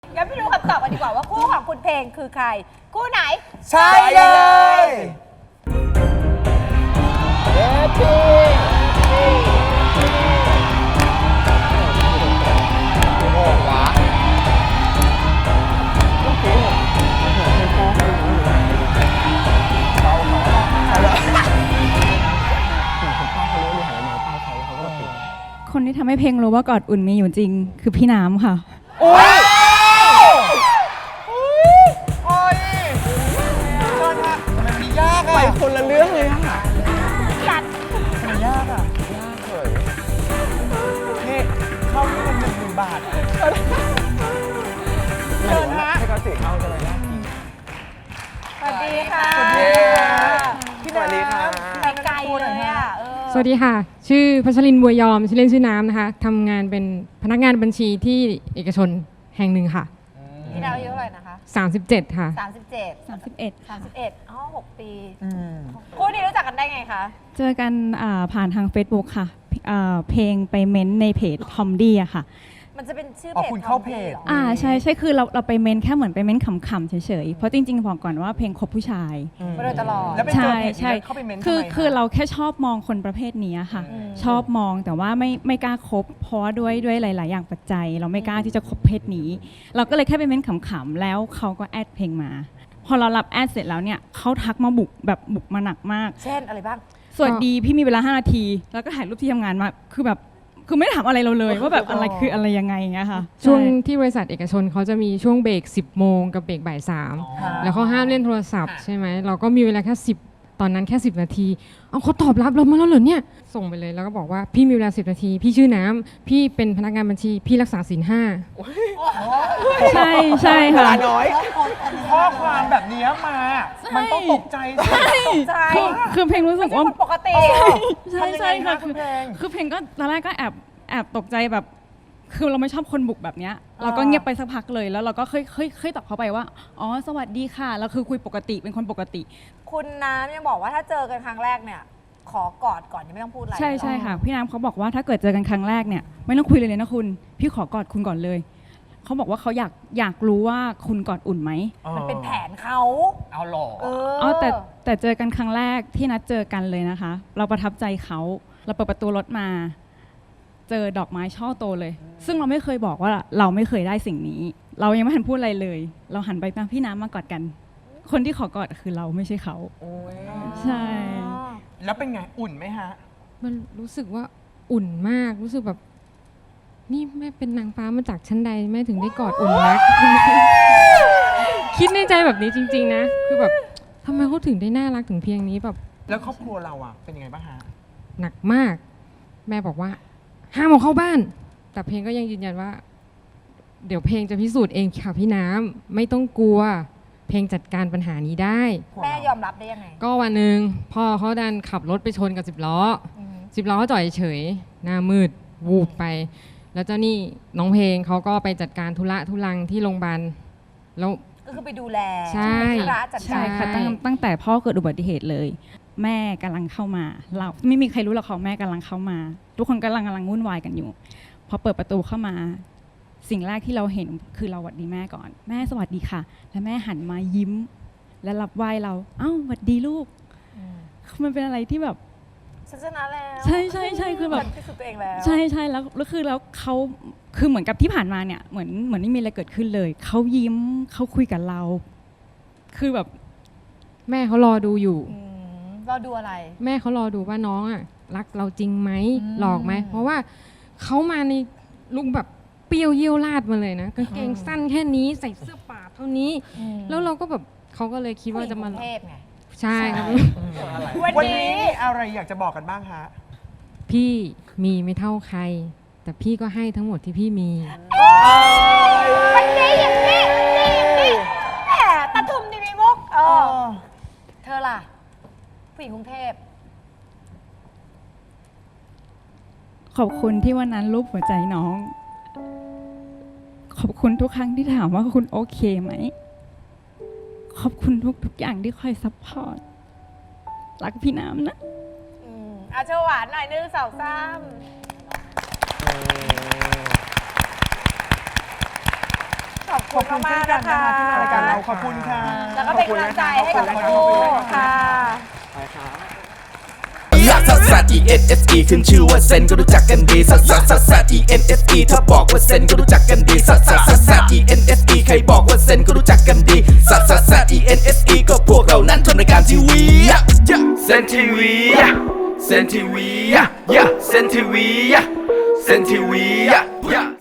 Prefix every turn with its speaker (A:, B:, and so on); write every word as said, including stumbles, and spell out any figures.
A: งั้นไปดูคำตอบกันดีกว่าว่าคู่ของคุณเพลงคือใครคู่ไหน
B: ใช่เลยเย้พี่โอ้โหวะต้องเก่งเหรอเป็นพ่อเขาหรือเป้าเขาอะไรคุณพ่อเขารู้อยู่หันมาเป้าเขาแล้วเขาก็ปิด
C: คนที่ทำให้เพลงรู้ว่ากอดอุ่นมีอยู่จริง คือพี่น้ำค่ะ
B: โอ้ยโอ้ยเชิญค่ะทำไมมันยากอะไปคนละเรื่องเลยอะ
A: จัด
B: ทำไมยากอะยากเลยนี่เข้านี่มันหนึ่งหมื่นบาทอะเชิญฮะให้เขาสี่เข้าใช่ไหมยากจริง
A: สวัสดีค่ะ
B: สวัสดีพี่สวัสดีครับ
A: ไปไกลเลยอ่ะเออ
D: สวัสดีค่ะ ชื่อพัชรินทร์บัวยอม ชื่อเล่นชื่อน้ำนะคะทำงานเป็นพนักงานบัญชีที่เอกชนแห่งหนึ่งค่ะ
A: พี่ดาวอายุเท่าไหร่นะคะ
D: สามสิบเจ็ดค่ะ
A: สามสิบเจ็ด
C: สามสิบเอ็ด
A: สามสิบเอ็ดอ๋อหกปี
B: อืม
A: คู่นี้รู้จักกันได้ไงคะ
C: เจอกันอ่าผ่านทาง Facebook ค่ะอ่าเพลงไปเม้นต์ในเพจทอมดี้อะค่ะ
A: มันจะเป็นชื่อ
B: อ๋อ
A: เพจ
B: คุณเข้าเพจ
A: หรอ
C: อ่าใช่ใช่คือเราเราไปเม้นต์แค่เหมือนไปเม้นต์ขำๆเฉยๆ เพราะจริงๆบอกก่อนว่าเพลงคบผู้ชาย
A: มาโดยตลอด
B: แล้วไปเจอ
C: ใช่
B: เพจ
C: ใช่
B: นี้เข้าไปเม้นต์ทำ
C: คือ
B: ไมะ
C: คือเราแค่ชอบมองคนประเภทนี้ค่ะ
A: อืม
C: ชอบมองแต่ว่าไม่ไม่กล้าคบเพราะว่าด้วยด้วยหลาย ๆ อย่างปัจจัย เราไม่กล้าที่จะคบเพศนี้ เราก็เลยแค่ไปเม้นต์ขำๆแล้วเขาก็แอดเพลงมา พอเรารับแอดเสร็จแล้วเนี่ยเขาทักมาบุกแบบบุกมาหนักมาก
A: เช่นอะไรบ้าง
C: สวัสดีพี่มีเวลาห้านาที แล้วก็ถ่ายรูปที่ทำงานมา คือแบบคือไม่ได้ถามอะไรเราเลย ว่าแบบอะไรคืออะไรยังไงอย่างเงี้ยค่ะ
D: ช่วง
C: ใช่
D: ที่บริษัทเอกชนเขาจะมีช่วงเบรกสิบโมงกับเบรกบ่ายสาม
B: อ๋อ
D: แล้วเขาห้ามเล่นโทรศัพท์ใช่ไหม เราก็มีเวลาแค่สิบตอนนั้นแค่สิบนาที เอาเขาตอบรับเรามาแล้วเหรอเนี่ย ส่งไปเลยแล้วก็บอกว่าพี่มีเวลาสิบนาที พี่ชื่อน้ำพี่เป็นพนักงานบัญชี พี่รักษาศีลห้า
C: ใช่ใช่
B: เว
C: ค่ะ
B: ลาน้อยข้อความแบบนี้มา มันต้องตกใจสิ
A: ตกใจ
C: คือคือเพลงรู้สึกว่า
A: คนปกติ
C: ใช่
B: ทำยังไง
C: ใช่ค่ะ
B: คะคุ
C: คือ
B: ณเพลง
C: คือเพลงก็ตอนแรกก็แอบแอบตกใจแบบ คือเราไม่ชอบคนบุกแบบเนี้ยเราก็เงียบไปสักพักเลยแล้วเราก็เคยเคยเคยตอบเขาไปว่าอ๋อสวัสดีค่ะแล้วคือคุยปกติเป็นคนปกติ
A: คุณน้ำยังบอกว่าถ้าเจอกันครั้งแรกเนี่ย ขอกอดก่อนยังไม่ต้องพูดอะไร
C: ใช่ใช่ค่ะพี่น้ำเขาบอกว่าถ้าเกิดเจอกันครั้งแรกเนี่ยไม่ต้องคุยเลยเลยนะคุณพี่ขอกอดคุณก่อนเลยเขาบอกว่าเขาอยากอยากรู้ว่าคุณกอดอุ่นไหม
A: มันเป็นแผนเขา
B: เอาหล่อ
A: เออ
C: อ๋อแต่แต่เจอกันครั้งแรกที่นัดเจอกันเลยนะคะ เราประทับใจเขาเราเปิดประตูรถมา เจอดอกไม้ช่อโตเลย ซึ่งเราไม่เคยบอกว่าเราไม่เคยได้สิ่งนี้ เรายังไม่ทันพูดอะไรเลย เราหันไปมาพี่น้ำมากอดกัน คนที่ขอกอดคือเราไม่ใช่เขา
B: โอ้ย
C: ใช่
B: แล้วเป็นไงอุ่นไหมฮะ
D: มันรู้สึกว่าอุ่นมาก รู้สึกแบบ นี่แม่เป็นนางฟ้ามาจากชั้นใดแม่ถึงได้กอดอุ่นนัก คิดในใจแบบนี้จริง ๆ นะ คือแบบทำไมเขาถึงได้น่ารักถึงเพียงนี้แบบ
B: แล้วครอบครัวเราอ่ะเป็นยังไงบ้างฮะ
D: หนักมาก แม่บอกว่าห้ามเอาเข้าบ้าน แต่เพลงก็ยังยืนยันว่า เดี๋ยวเพลงจะพิสูจน์เองค่ะพี่น้ำไม่ต้องกลัว เพลงจัดการปัญหานี้ได้
A: แม่ยอมรับได้ยังไง
D: ก็วันหนึ่งพ่อเขาดันขับรถไปชนกับสิบล้อ
A: อืม
D: สิบล้อจอดเฉยหน้ามืดวูบไป แล้วเจ้านี่น้องเพลงเขาก็ไปจัดการธุระทุลังที่โรงพยาบาลแล้ว
A: ก็คือไปดูแล
D: ใช่
A: เป็นธุระจัด
C: ใช่
A: การ
C: ค่ะตั้งตั้งแต่พ่อเกิดอุบัติเหตุเลย แม่กำลังเข้ามา เราไม่มีใครรู้หรอกเขาแม่กำลังเข้ามา ทุกคนกำลังกำลังวุ่นวายกันอยู่พอเปิดประตูเข้ามา สิ่งแรกที่เราเห็นคือเราสวัสดีแม่ก่อน แม่สวัสดีค่ะ แล้วแม่หันมายิ้ม และรับไหว้เราเอ้าสวัสดีลูก
A: อืม
C: มันเป็นอะไรที่แบบ
A: ฉันชนะแล้ว
C: ใช่ใช่ใช่คือแบบ
A: ฉันพิสูจน์ตัวเองแล้ว
C: ใช่ใช่แล้วแล้วคือแล้วเขาคือเหมือนกับที่ผ่านมาเนี่ยเหมือนเหมือนไม่มีอะไรเกิดขึ้นเลยเขายิ้มเขาคุยกับเรา คือแบบ
D: แม่เขารอดูอยู่
A: อืมเราดูอะไร
D: แม่เขารอดูว่าน้องอ่ะรักเราจริงไหม
A: อืม
D: หลอกไหมเพราะว่าเขามาในลุงแบบเปรี้ยวเยี่ยวลาดมาเลยนะกางเกงสั้นแค่นี้ใส่เสื้อป่าเท่านี้ แล้วเราก็แบบเขาก็เลยคิดว่าจะมา
A: ผู้หญิงกรุงเทพไง
D: ใช่ครับ
A: วันนี้
B: วันนี้มีอะไรอยากจะบอกกันบ้างฮะ
D: พี่มีไม่เท่าใคร แต่พี่ก็ให้ทั้งหมดที่พี่มี
A: มันดีอย่างนี้ดีอย่างนี้แหมตะทุมดีมีมุกเอ
B: เอ
A: อ
B: อ
A: เธอล่ะ ผู้หญิงกรุงเทพ
C: ขอบคุณที่วันนั้นรูปหัวใจน้อง ขอบคุณทุกครั้งที่ถามว่าคุณโอเคไหม ขอบคุณทุกทุกอย่างที่คอยซัพพอร์ต รักพี่น้ำนะ
A: อืมอาโชว์หวานหน่อยหนึงสองสามโชขอบคุณมากๆนะคะ
B: ที่มารายการเราขอบคุณค่ะ
A: แล้วก็เป็นกำลังใจให้กับครูค่ะ
E: ลักซัสซัส E N S E ขึ้นชื่อว่าเซนก็รู้จักกันดีซัสซัสซัสซัส E N S E ถ้าบอกว่าเซนก็รู้จักกันดีซัสซัสซัสซัส E N S E ใครบอกว่าเซนก็รู้จักกันดีซัสซัสซัส E N S E ก็พวกเรานั้นทำรายการทีวีเซนทีวีเซนทีวีเซนทีวีเซนทีวี